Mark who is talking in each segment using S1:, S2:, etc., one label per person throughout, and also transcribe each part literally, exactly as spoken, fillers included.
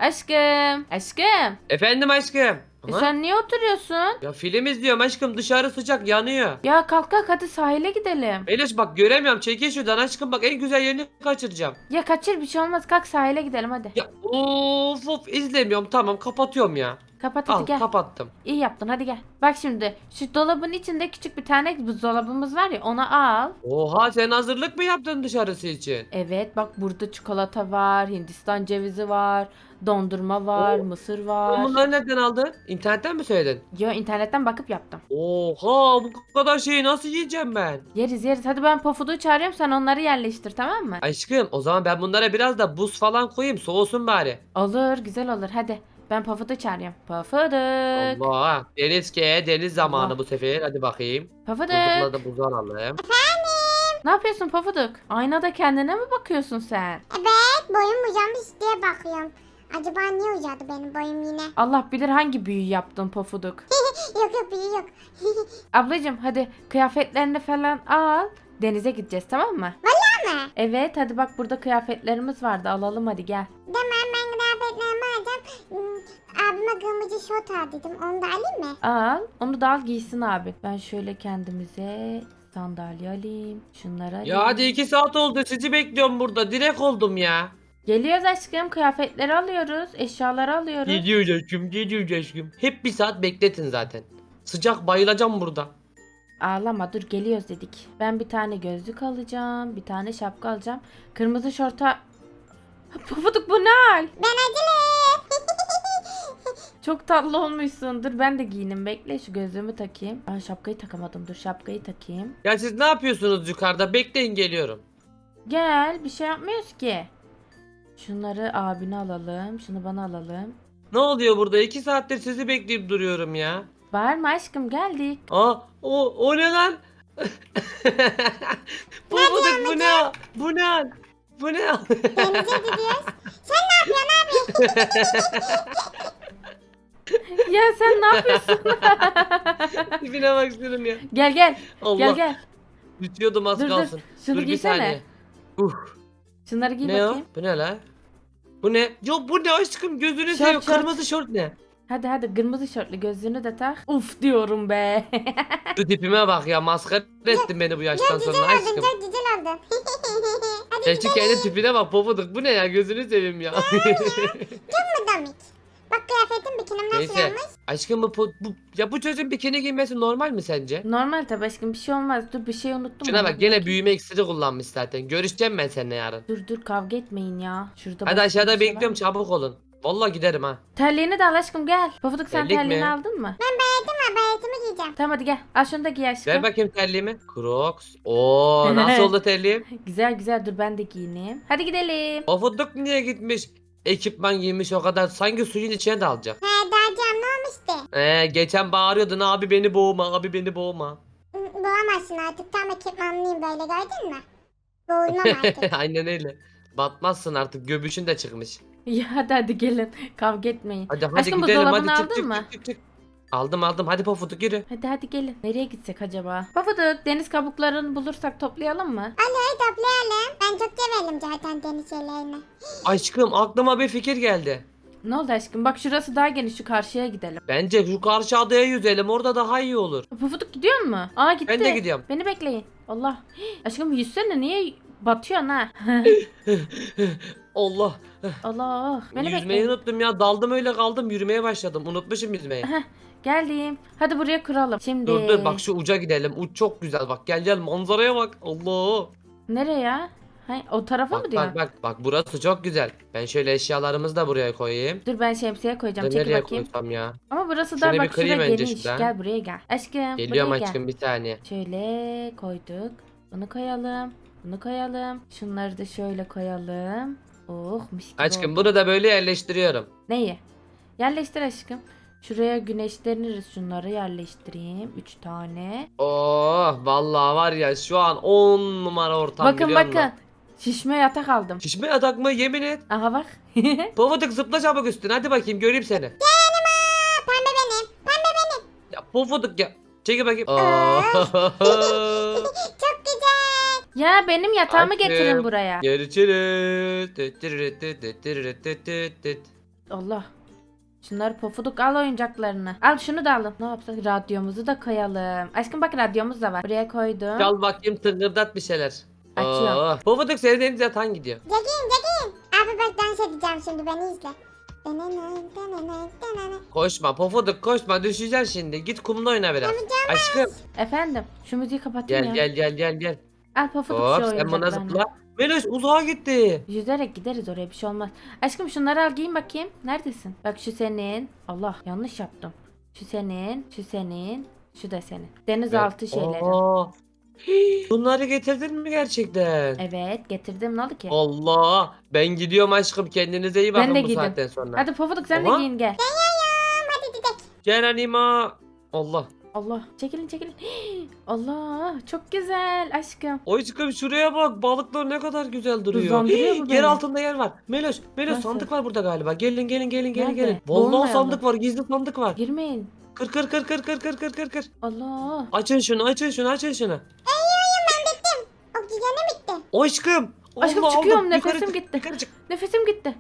S1: Aşkım. Aşkım.
S2: Efendim aşkım.
S1: E
S2: Aha.
S1: sen niye oturuyorsun?
S2: Ya film izliyorum aşkım, dışarı sıcak yanıyor.
S1: Ya kalk kalk hadi sahile gidelim.
S2: Melis bak göremiyorum, çekil şuradan aşkım, bak en güzel yerini kaçıracağım.
S1: Ya kaçır bir şey olmaz. Kalk sahile gidelim hadi.
S2: Ya of of izlemiyorum, tamam kapatıyorum ya.
S1: Kapat hadi
S2: Al
S1: gel.
S2: kapattım.
S1: İyi yaptın hadi gel. Bak şimdi şu dolabın içinde küçük bir tane buzdolabımız var ya onu al.
S2: Oha, sen hazırlık mı yaptın dışarısı için?
S1: Evet bak burada çikolata var, Hindistan cevizi var, dondurma var,
S2: Oo,
S1: mısır
S2: sen
S1: var.
S2: bunları nereden aldın? İnternetten mi söyledin?
S1: Yo internetten bakıp yaptım.
S2: Oha, bu kadar şeyi nasıl yiyeceğim ben?
S1: Yeriz yeriz. Hadi ben Pofuduk'u çağırıyorum sen onları yerleştir tamam mı?
S2: Aşkım o zaman ben bunlara biraz da buz falan koyayım, soğusun bari.
S1: Olur güzel olur hadi. Ben Pofuduk'u çağırıyorum. Pofuduk.
S2: Allah, deniz ke deniz zamanı
S1: Allah.
S2: bu sefer, hadi bakayım. Buzlukla
S1: Pofuduk.
S2: da buzu alalım.
S1: Ne yapıyorsun Pofuduk? Aynada kendine mi bakıyorsun sen?
S3: Evet, boyum uzamış diye bakıyorum. Acaba niye uzadı benim boyum yine?
S1: Allah bilir hangi büyü yaptın Pofuduk.
S3: Yok yok biri yok.
S1: Ablacığım hadi kıyafetlerini falan al. Denize gideceğiz tamam mı?
S3: Ama
S1: Evet hadi bak burada kıyafetlerimiz vardı alalım hadi gel.
S3: tamam ben kıyafetlerimi alacağım. Hmm, abime kırmızı şort al dedim. Onu da alayım mı?
S1: Al onu da al giysin abi. Ben şöyle kendimize sandalye alayım. Şunları alayım.
S2: Ya hadi iki saat oldu, sizi bekliyorum burada, direkt oldum ya.
S1: Geliyoruz aşkım kıyafetleri alıyoruz. Eşyaları alıyoruz.
S2: Gidiyoruz aşkım, gidiyoruz aşkım. Hep bir saat bekletin zaten. Sıcak, bayılacağım burada.
S1: Ağlama dur geliyoruz dedik. Ben bir tane gözlük alacağım. Bir tane şapka alacağım. Kırmızı şorta... Pufuduk bu ne hal?
S3: Ben acele.
S1: Çok tatlı olmuşsun. Dur ben de giyinim. Bekle şu gözlüğümü takayım. Ben şapkayı takamadım. Dur şapkayı takayım.
S2: Ya siz ne yapıyorsunuz yukarıda? Bekleyin, geliyorum.
S1: Gel bir şey yapmıyoruz ki. Şunları abine alalım. Şunu bana alalım.
S2: Ne oluyor burada? iki saattir sizi bekleyip duruyorum ya.
S1: Bağırma aşkım geldik.
S2: Aa, o, o ne lan? bu, bu, da- bu ne? Bu ne? Bu ne?
S3: Denize gidiyoruz. Sen ne yapıyorsun abi?
S1: Ya sen ne yapıyorsun?
S2: Tipine bak şunun ya.
S1: Gel gel.
S2: Allah.
S1: Gel gel.
S2: Düşüyordum az
S1: Dur dur.
S2: kalsın.
S1: Şunu
S2: Dur bir
S1: giysene.
S2: saniye. Uh,
S1: Şunları giy
S2: ne o?
S1: bakayım.
S2: Bu ne la? Bu ne? Yo bu ne aşkım, gözünü
S1: Şort,
S2: seveyim.
S1: şort.
S2: Kırmızı şort ne?
S1: Hadi hadi kırmızı şortlu gözlüğünü de tak. Uf diyorum be.
S2: Şu tipime bak ya, maskara ettin beni bu yaştan sonra
S3: Oldun
S2: aşkım.
S3: çok güzel oldun. Hadi
S2: Sen şu kendi tipine bak Pofuduk, bu ne ya, gözünü seveyim ya.
S3: mı Domik? Bak kıyafetim bikinim nasıl
S2: Neyse.
S3: olmuş?
S2: Aşkım bu, po- bu ya bu çocuğun bikini giymesi normal mi sence?
S1: Normal tabii aşkım bir şey olmaz. Dur bir şey unuttum.
S2: Şuna
S1: ama
S2: bak,
S1: dur
S2: gene
S1: bakayım.
S2: büyüme iksiri kullanmış zaten. Görüşeceğim ben seninle yarın.
S1: Dur dur kavga etmeyin ya. Şurada
S2: Hadi
S1: başka
S2: aşağıda
S1: bir şey var
S2: bekliyorum,
S1: mı?
S2: çabuk olun. Vallahi giderim ha.
S1: Terliğini de al aşkım gel. Pofuduk sen
S2: Terlik
S1: terliğini
S2: mi?
S1: aldın mı?
S3: Ben bayatım var bayatımı giyeceğim.
S1: Tamam hadi gel. Al şunu da giy aşkım.
S2: Ver bakayım terliğimi. Crocs. Oo, nasıl oldu terliğim?
S1: Güzel güzel dur ben de giyineyim. Hadi gidelim.
S2: Pofuduk niye gitmiş? Ekipman giymiş o kadar. Sanki suyun içine dalacak.
S3: He dağcam ne olmuştu?
S2: Ee, geçen bağırıyordun, abi beni boğma, abi beni boğma.
S3: Boğamazsın artık tam ekipmanlıyım böyle gördün mü? Boğulmam artık.
S2: Aynen öyle. Batmazsın artık, göbüşün de çıkmış.
S1: Ya hadi hadi gelin. Kavga etmeyin.
S2: Hadi hadi
S1: Aşkım
S2: gidelim, hadi
S1: buzdolabını
S2: çık
S1: aldın
S2: çık,
S1: mı?
S2: çık çık çık. Aldım aldım, hadi Pofuduk yürü.
S1: Hadi hadi gelin. Nereye gitsek acaba? Pofuduk deniz kabuklarını bulursak toplayalım mı?
S3: Hadi toplayalım. Ben çok severim zaten deniz şeylerini.
S2: Aşkım aklıma bir fikir geldi.
S1: Ne oldu aşkım? Bak şurası daha geniş. Şu karşıya gidelim.
S2: Bence şu karşı adaya yüzelim, orada daha iyi olur.
S1: Pufuduk gidiyor mu? Aa gitti.
S2: Ben de gidiyorum.
S1: Beni bekleyin. Allah. Hii, aşkım yüzsene niye batıyorsun ha?
S2: Allah.
S1: Allah. Beni
S2: Yüzmeyi
S1: bekleyin.
S2: unuttum ya, daldım öyle kaldım, yürümeye başladım, unutmuşum yüzmeyi.
S1: Heh, geldim. Hadi buraya kuralım. Şimdi.
S2: Dur dur, bak şu uca gidelim, uç çok güzel, bak gel gel, manzaraya bak. Allah.
S1: Nereye ya? Ha, o tarafa mı
S2: Bak
S1: diyorsun?
S2: bak bak bak, burası çok güzel. Ben şöyle eşyalarımızı da buraya koyayım.
S1: Dur ben şemsiye koyacağım.
S2: Da
S1: Çekil
S2: nereye
S1: bakayım.
S2: koysam ya?
S1: Ama burası
S2: Şöyle
S1: da
S2: bir
S1: bak
S2: kırayım
S1: şuraya
S2: önce
S1: geniş.
S2: şuradan.
S1: Gel buraya gel. Aşkım
S2: Geliyorum
S1: buraya
S2: aşkım, bir saniye.
S1: gel. Şöyle koyduk. Bunu koyalım. Bunu koyalım. Şunları da şöyle koyalım. Oh mis gibi
S2: Aşkım
S1: oldu.
S2: bunu da böyle yerleştiriyorum.
S1: Neyi? Yerleştir aşkım. Şuraya güneşleniriz. Şunları yerleştireyim. Üç tane.
S2: Oh vallahi var ya, şu an on numara ortam,
S1: bakın
S2: biliyor
S1: bakın.
S2: musun?
S1: Şişme yatak aldım.
S2: Şişme yatak mı, yemin et.
S1: Aha bak.
S2: Pofuduk zıpla çabuk üstüne, hadi bakayım göreyim seni.
S3: Aa, pembe benim. Pembe benim.
S2: Ya Pofuduk ya. Çekil bakayım.
S3: Aa.
S2: Aa.
S3: Çok güzel.
S1: Ya benim yatağımı
S2: Aşkım.
S1: getirin buraya.
S2: Görüşürüz. Tüt türürüt tüt tüt türürüt tüt tüt tüt.
S1: Allah. Şunları Pofuduk al oyuncaklarını. Al şunu da alın. Ne yapsak? Radyomuzu da koyalım. Aşkım bak radyomuz da var. Buraya koydum.
S2: Çal bakayım, tıngırdat bir şeyler.
S1: Açıyorum.
S2: Oo. Pofuduk senin en güzel tan gidiyor.
S3: Cegin Cegin. Abi bak dans edeceğim şimdi beni izle.
S2: Koşma Pofuduk, koşma, düşeceksin şimdi. Git kumda oyna biraz. Aşkım
S1: Efendim şu müziği kapatayım
S2: gel
S1: ya.
S2: gel gel gel gel.
S1: Al Pofuduk
S2: Hop
S1: şu
S2: sen buna
S1: oyuncaklarını.
S2: zıpla. Meloş uzağa gitti.
S1: Yüzerek gideriz oraya, bir şey olmaz. Aşkım şunları al, giyin bakayım. Neredesin? Bak şu senin. Allah yanlış yaptım. Şu senin, şu senin, şu da senin. Denizaltı şeyleri.
S2: Aa. Hii, bunları getirdin mi gerçekten?
S1: Evet getirdim, ne oldu ki?
S2: Allah, ben gidiyorum aşkım, kendinize iyi bakın
S1: Ben de
S2: bu
S1: gideyim.
S2: saatten sonra.
S1: Hadi Pofuduk sen
S2: Aha.
S1: de giyin gel.
S3: Hadi gidelim.
S2: Gel Anima. Allah.
S1: Allah çekilin çekilin. Allah çok güzel aşkım.
S2: Aşkım şuraya bak, balıklar ne kadar güzel duruyor.
S1: Hızlandırıyor
S2: Hii,
S1: bu
S2: yer
S1: beni.
S2: altında yer var. Meloş, Meloş
S1: Nasıl?
S2: sandık var burada galiba. Gelin gelin gelin gelin
S1: Nerede?
S2: gelin. Vallahi
S1: Boğulmayalım.
S2: sandık var, gizli sandık var.
S1: Girmeyin.
S2: Kır kır kır kır kır kır kır kır kır.
S1: Allah.
S2: Açın şunu, açın şunu, açın şunu.
S3: Oksijenim bitti.
S2: Aşkım.
S1: Aşkım
S2: Allah,
S1: çıkıyorum,
S2: aldım. Yukarı
S1: nefesim
S2: çık,
S1: gitti.
S2: Yukarı çık.
S1: Nefesim gitti.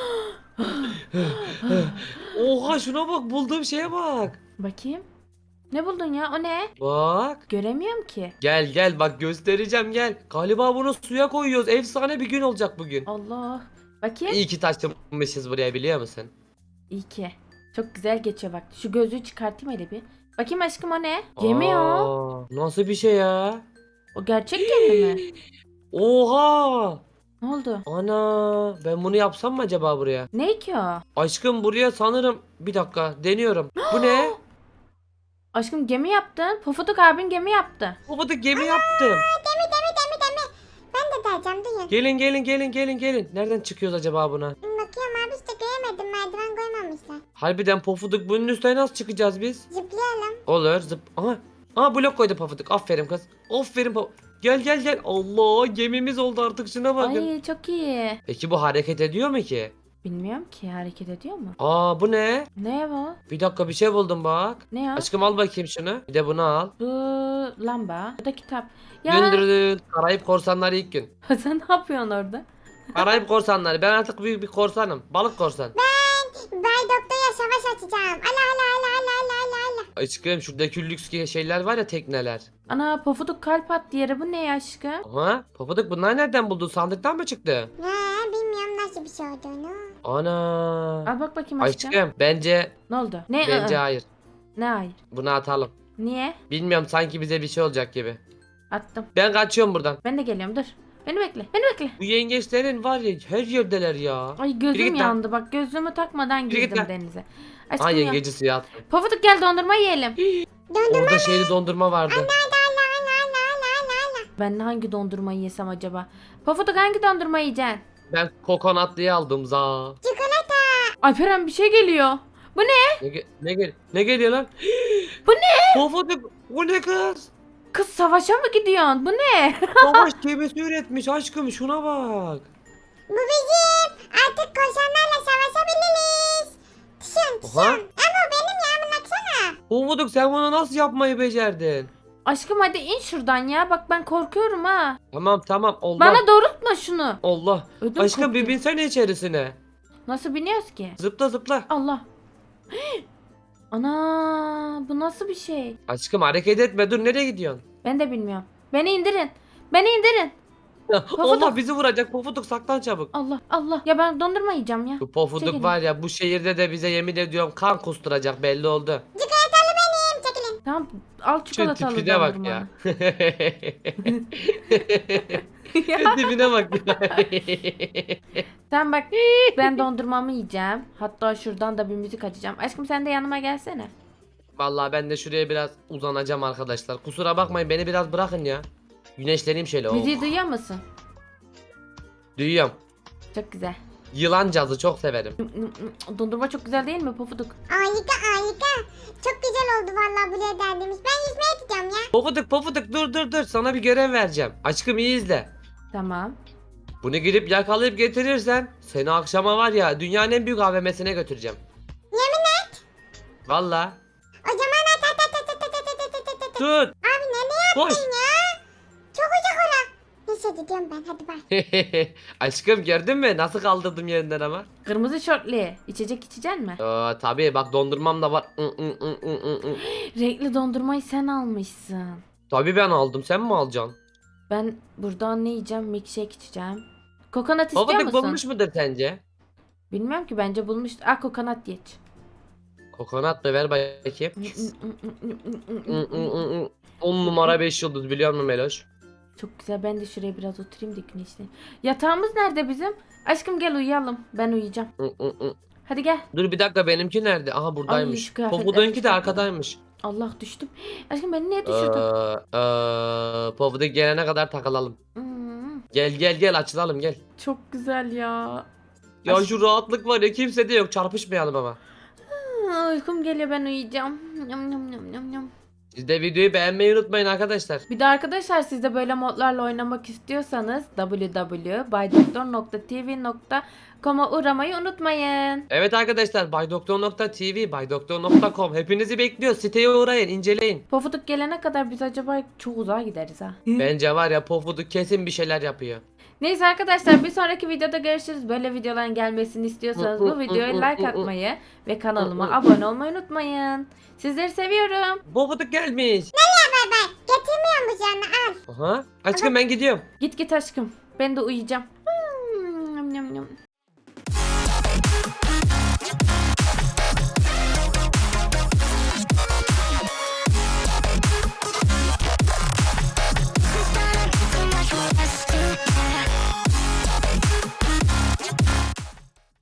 S2: Oha şuna bak, bulduğum şeye bak.
S1: Bakayım. Ne buldun ya, o ne?
S2: Bak.
S1: Göremiyorum ki.
S2: Gel gel bak, göstereceğim gel. Galiba bunu suya koyuyoruz. Efsane bir gün olacak bugün.
S1: Allah. Bakayım.
S2: İyi ki taşınmışız buraya, biliyor musun?
S1: İyi ki. Çok güzel geçiyor bak. Şu gözlüğü çıkartayım hele bir. Bakayım aşkım, o ne? Gemi o.
S2: Aa, nasıl bir şey ya?
S1: O gerçek gemi mi?
S2: Oha!
S1: Ne oldu?
S2: Ana, ben bunu yapsam mı acaba buraya?
S1: Ne ki o?
S2: Aşkım buraya sanırım, bir dakika deniyorum. Bu ne?
S1: Aşkım gemi yaptın. Pofuduk abin gemi yaptı.
S2: Baba da gemi yaptım.
S3: Demi demi demi demi. Ben de diyeceğim duyun.
S2: Gelin gelin gelin gelin gelin. Nereden çıkıyoruz acaba buna?
S3: Bakıyorum abi işte göremedim, merdiven koymamışlar.
S2: Harbiden Pofuduk, bunun üstüne nasıl çıkacağız biz?
S3: Zıplayalım.
S2: Olur zıp. Aha. Aha blok koydu Pofuduk. Aferin kız. Aferin Pofuduk. Gel gel gel. Allah, gemimiz oldu artık, şuna bakın.
S1: Ay çok iyi.
S2: Peki bu hareket ediyor mu ki?
S1: Bilmiyorum ki, hareket ediyor mu?
S2: Aa, bu ne?
S1: Ne bu?
S2: Bir dakika, bir şey buldum bak.
S1: Ne ya?
S2: Aşkım al bakayım şunu. Bir de bunu al.
S1: Bu lamba. Bu da kitap.
S2: Dün
S1: Ya
S2: dün dün. Karayip korsanları ilk gün.
S1: sen ne yapıyorsun orada?
S2: Karayip korsanları. Ben artık büyük bir korsanım. Balık korsan.
S3: Bay doktora savaş açacağım. Ala ala ala ala ala ala ala.
S2: Aşkım şuradaki lüks şeyler var ya, tekneler.
S1: Ana Pofuduk kalp attı yere, bu ne ya aşkım?
S2: Aha. Pofuduk, bunlar nereden buldun? Sandıktan mı çıktı?
S3: He bilmiyorum nasıl bir şey olduğunu.
S2: Ana.
S1: Al bak bakayım aşkım.
S2: Aşkım bence
S1: Ne oldu? Ne?
S2: bence
S1: ı-ı?
S2: hayır.
S1: Ne hayır?
S2: Bunu atalım.
S1: Niye?
S2: Bilmiyorum, sanki bize bir şey olacak gibi.
S1: Attım.
S2: Ben kaçıyorum buradan.
S1: Ben de geliyorum, dur. Beni bekle. Beni bekle.
S2: Bu yengeçlerin var ya, her yerdeler ya.
S1: Ay
S2: Yürü
S1: gözüm
S2: git lan.
S1: yandı bak, gözlüğümü takmadan
S2: Yürü git
S1: girdim
S2: lan.
S1: denize. Aşkım
S2: Ha,
S1: ya.
S2: yengeci suya attım.
S1: Pofuduk gel dondurma yiyelim.
S3: Döndüm
S2: Orada şeyli dondurma vardı.
S3: ala ala ala ala ala ala.
S1: Ben hangi dondurmayı yesem acaba? Pofuduk hangi dondurma yiyeceksin?
S2: Ben kokonatlıyı aldım za.
S3: Çikolata.
S1: Alperen bir şey geliyor. Bu ne?
S2: Ne, ge- ne, gel ne geliyor lan?
S1: Bu ne?
S2: Pofuduk, bu ne kız?
S1: Kız savaşa mı gidiyorsun? Bu ne?
S2: Savaş gemisi üretmiş aşkım, şuna bak.
S3: Bu bizim. Artık korsanlarla savaşabiliriz. Tişön tişön.
S2: Oha.
S3: Ama o benim ya, baksana.
S2: Pofuduk, sen bunu nasıl yapmayı becerdin?
S1: Aşkım hadi in şuradan ya. Bak ben korkuyorum ha.
S2: Tamam tamam, Allah.
S1: Bana doğrultma şunu.
S2: Allah.
S1: Ödüm
S2: Aşkım
S1: koptu.
S2: bir binsene içerisine.
S1: Nasıl biniyoruz ki?
S2: Zıpla zıpla.
S1: Allah. Ana bu nasıl bir şey?
S2: Aşkım hareket etme, dur, nereye gidiyorsun?
S1: Ben de bilmiyorum. Beni indirin. Beni indirin.
S2: Allah, bizi vuracak Pofuduk, saklan çabuk.
S1: Allah Allah. Ya ben dondurma yiyeceğim ya.
S2: Bu Pofuduk
S1: Çekilin.
S2: var ya, bu şehirde de bize yemin ediyorum kan kusturacak, belli oldu.
S3: Çikolatalı benim. Çekilin.
S1: Tamam al
S2: Şu
S1: çikolatalı
S2: tipine bak
S1: dondurmanı.
S2: ya.
S1: Ya.
S2: Şu tipine bak ya.
S1: Sen bak ben dondurmamı yiyeceğim. Hatta şuradan da bir müzik açacağım. Aşkım sen de yanıma gelsene.
S2: Vallahi ben de şuraya biraz uzanacağım arkadaşlar. Kusura bakmayın, beni biraz bırakın ya. Güneşleneyim şöyle.
S1: Müziği
S2: Oh.
S1: duyuyor musun?
S2: Duyuyorum.
S1: Çok güzel.
S2: Yılan cazı çok severim.
S1: Dondurma çok güzel değil mi Pofuduk?
S3: Harika harika. Çok güzel oldu vallahi buraya geldiğimiz. Ben yüzmeye gideceğim ya.
S2: Pofuduk Pofuduk, dur dur dur, sana bir görev vereceğim. Aşkım iyi izle.
S1: Tamam.
S2: Bunu gidip yakalayıp getirirsen seni akşama var ya, dünyanın en büyük A V M'sine götüreceğim.
S3: Yemin et.
S2: Vallahi.
S3: O zaman at at at at at at at at at at at.
S2: Tut.
S3: Abi nereye
S2: Koş.
S3: attın ya? Çok uzak ora. Neyse gidiyorum ben. Hadi bay.
S2: Aşkım gördün mü? Nasıl kaldırdım yerinden ama.
S1: Kırmızı şortlu. İçecek içecek mi?
S2: Aa, tabii bak dondurmam da var. Hı, hı, hı, hı, hı, hı.
S1: Renkli dondurmayı sen almışsın.
S2: Tabii ben aldım. Sen mi alacaksın?
S1: Ben buradan ne yiyeceğim? Milkshake içeceğim. Kokonat istiyor
S2: Pofuduk
S1: musun?
S2: bulmuş mudur sence?
S1: Bilmiyorum ki, bence bulmuştur. Ah, kokonat geç.
S2: Kokonat da ver bakayım. Hı, hı, hı, hı. On numara beş yıldız biliyor musun Meloş?
S1: Çok güzel. Ben de şuraya biraz oturayım da güneşle. Yatağımız nerede bizim? Aşkım gel uyuyalım. Ben uyuyacağım.
S2: Hı, hı, hı.
S1: Hadi gel.
S2: Dur bir dakika benimki nerede? Aha
S1: Ay,
S2: buradaymış.
S1: şu kıyafetleri
S2: Pofuduk'unki de
S1: çıkartalım.
S2: arkadaymış.
S1: Allah, düştüm. Aşkım beni niye
S2: Ee,
S1: düşürdün?
S2: ee, Pofuduk gelene kadar takılalım.
S1: Hmm,
S2: Gel gel gel açılalım gel.
S1: çok güzel ya.
S2: Ya
S1: Aşk-
S2: şu rahatlık var ya kimse de yok çarpışmayalım ama.
S1: Aa, uykum geliyor, ben uyuyacağım. Yum, yum, yum, yum, yum.
S2: Siz de videoyu beğenmeyi unutmayın arkadaşlar.
S1: Bir de arkadaşlar, siz de böyle modlarla oynamak istiyorsanız w w w nokta baydoktor nokta t v nokta com'a uğramayı unutmayın.
S2: Evet arkadaşlar baydoktor nokta t v baydoktor nokta com hepinizi bekliyor. Siteye uğrayın inceleyin.
S1: Pofuduk gelene kadar biz acaba çok uzağa gideriz ha.
S2: Bence var ya Pofuduk kesin bir şeyler yapıyor.
S1: Neyse arkadaşlar, bir sonraki videoda görüşürüz. Böyle videoların gelmesini istiyorsanız bu videoya like atmayı ve kanalıma abone olmayı unutmayın. Sizleri seviyorum.
S2: Pofuduk gelmiş.
S3: Bay bay. Getirmiyor musun canını? Al.
S2: Aha. Aşkım ben gidiyorum.
S1: Git git aşkım. Ben de uyuyacağım.